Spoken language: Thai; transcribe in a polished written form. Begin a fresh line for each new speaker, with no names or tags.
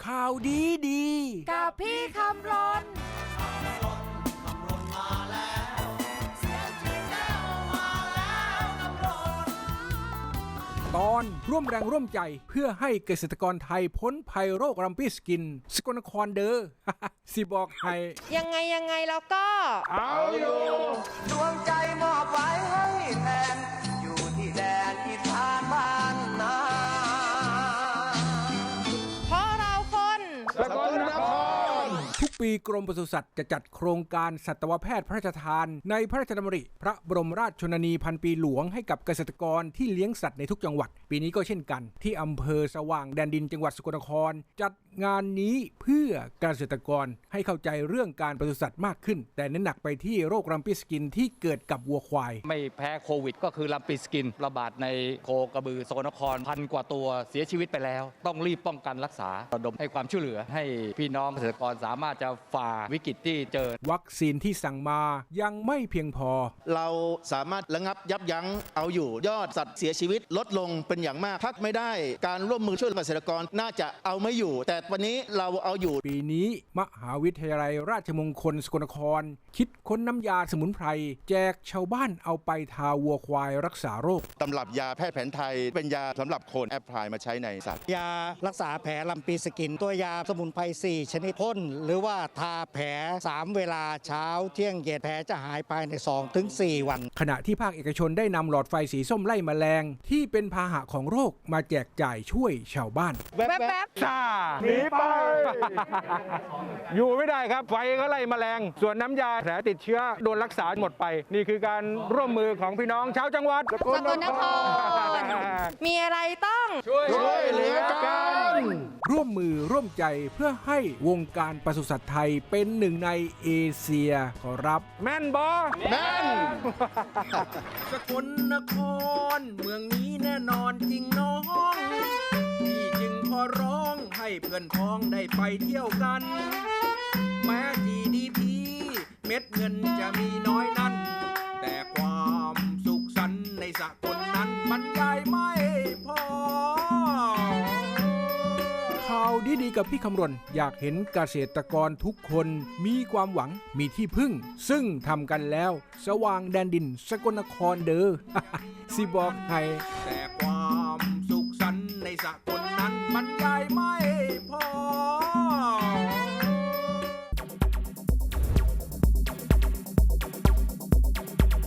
ข่าวดีดี
กับพี่คำรน
ตอนร่วมแรงร่วมใจเพื่อให้เกษตรกรไทยพ้นภัยโรครัมปี้สกินสกลนครเด้อ สิบอกให้
ยังไงแล้วก็
เอาอยู่ดวงใจมอบไว้ให้แทนอยู่ที่แดนอีสานบ้านนา
เพราะเราคน
สกลนคร
ทุกปีกรมปศุสัตว์จะจัดโครงการสัตวแพทย์พระราชทานในพระราชดำริพระบรมราชชนนีพันปีหลวงให้กับเกษตรกรที่เลี้ยงสัตว์ในทุกจังหวัดปีนี้ก็เช่นกันที่อำเภอสว่างแดนดินจังหวัดสกลนครจัดงานนี้เพื่อเกษตรกรให้เข้าใจเรื่องการปศุสัตว์มากขึ้นแต่เน้นหนักไปที่โรครัมปี้สกินที่เกิดกับวัวควาย
ไม่แพ้โควิดก็คือรัมปี้สกินระบาดในโคกระบือสกลนคร1,000 กว่าตัวเสียชีวิตไปแล้วต้องรีบป้องกันรักษาระดมให้ความช่วยเหลือให้พี่น้องเกษตรกรสามารถจะฝ่าวิกฤตที่เจอ
วัคซีนที่สั่งมายังไม่เพียงพอ
เราสามารถระงับยับยั้งเอาอยู่ยอดสัตว์เสียชีวิตลดลงเป็นอย่างมากพักไม่ได้การร่วมมือช่วยเกษตรกรน่าจะเอาไม่อยู่แต่วันนี้เราเอาอยู่
ปีนี้มหาวิทยาลัยราชมงคลสกลนครคิดค้นน้ำยาสมุนไพรแจกชาวบ้านเอาไปทาวัวควายรักษาโรค
ตำรับยาแพทย์แผนไทยเป็นยาสำหรับคนแอพพลายมาใช้ในสัตว์
ยารักษาแผลรัมปีสกินตัวยาสมุนไพร4ชนิดพ่นหรือว่าทาแผล3เวลาเช้าเที่ยงเย็นแผลจะหายภายใน 2-4 วัน
ขณะที่ภาคเอกชนได้นำหลอดไฟสีส้มไล่แมลงที่เป็นพาหะของโรคมาแจกจ่ายช่วยชาวบ้าน
แวบ
ซ่าหนีไป อยู่ไม่ได้ครับไฟก็ไล่แมลงส่วนน้ำยาแผลติดเชื้อโดนรักษาหมดไปนี่คือการร่วมมือของพี่น้องชาวจังหวัด
สกลนครมีอะไรต้อง
ช่วยเหลือกัน
ร่วมมือร่วมใจเพื่อให้วงการปศุสัตว์ไทยเป็นหนึ่งในเอเชียขอรับ
แม่นบอแม่น
สกลนครเมืองนี้แน่นอนจริงน้องพี่จึงขอร้องให้เพื่อนพ้องได้ไปเที่ยวกันแม้ GDP เม็ดเงินจะมีน้อยนั้นแต่ความสุขสันต์ในสกลนั้นบรรยายไม่พอข่าวดีๆกับพี่คำรณอยากเห็นเกษตรกรทุกคนมีความหวังมีที่พึ่งซึ่งทำกันแล้วสว่างแดนดินสกลนครเด้อ สิบอกให้แต่ความสุขสันต์ในสกลนั้นบรรยายไม่